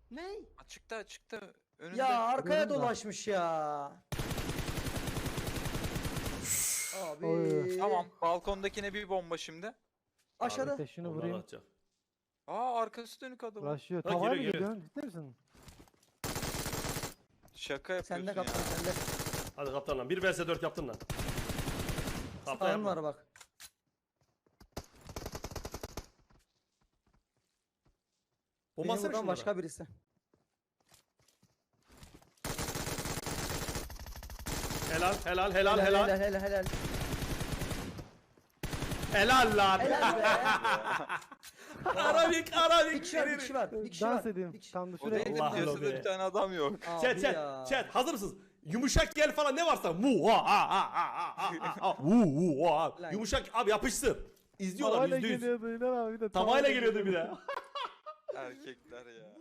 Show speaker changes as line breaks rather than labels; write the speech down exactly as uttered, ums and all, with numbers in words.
Ne?
Açıkta açıkta. Önünde.
Ya arkaya
Önünde.
dolaşmış ya. Abi.
Oy.
Tamam. Balkondakine bir bomba şimdi.
Aşağıda.
Ateşini
Ondan
vurayım.
atacak.
Aa arkası dönük adam.
Uğraşıyor.
Ha,
Tavaya mı
geliyor, geliyor.
geliyorsun? Ciddi misin?
Şaka yapıyorsun
Sende kaptan
ya.
sende.
Hadi kaptan lan. bir vs dört yaptın lan. Kaptan
Sağın
yapma.
var bak.
Bomba
Benim
atsana
buradan
şunlara.
başka birisi.
Helal helal helal
Helal
helal.
helal helal.
Helal lan.
Helal be.
Arabik
Bir
arabik.
kişi var, bir kişi var. Bir kişi
Dans
var.
edeyim.
Bir kişi-
Tam da
O
şuraya.
değil de
Allah
piyasada
be.
bir tane adam yok.
Abi
Chat
ya.
chat chat hazır mısınız? Yumuşak gel falan ne varsa mu ha ha ha ha ha ha vu vu ha.
Lan.
Yumuşak abi yapışsın. İzliyorlar
Tavayla
yüzde yüz.
geliyordu İlhan abi de.
Tavayla geliyordu bir de.
Erkekler ya.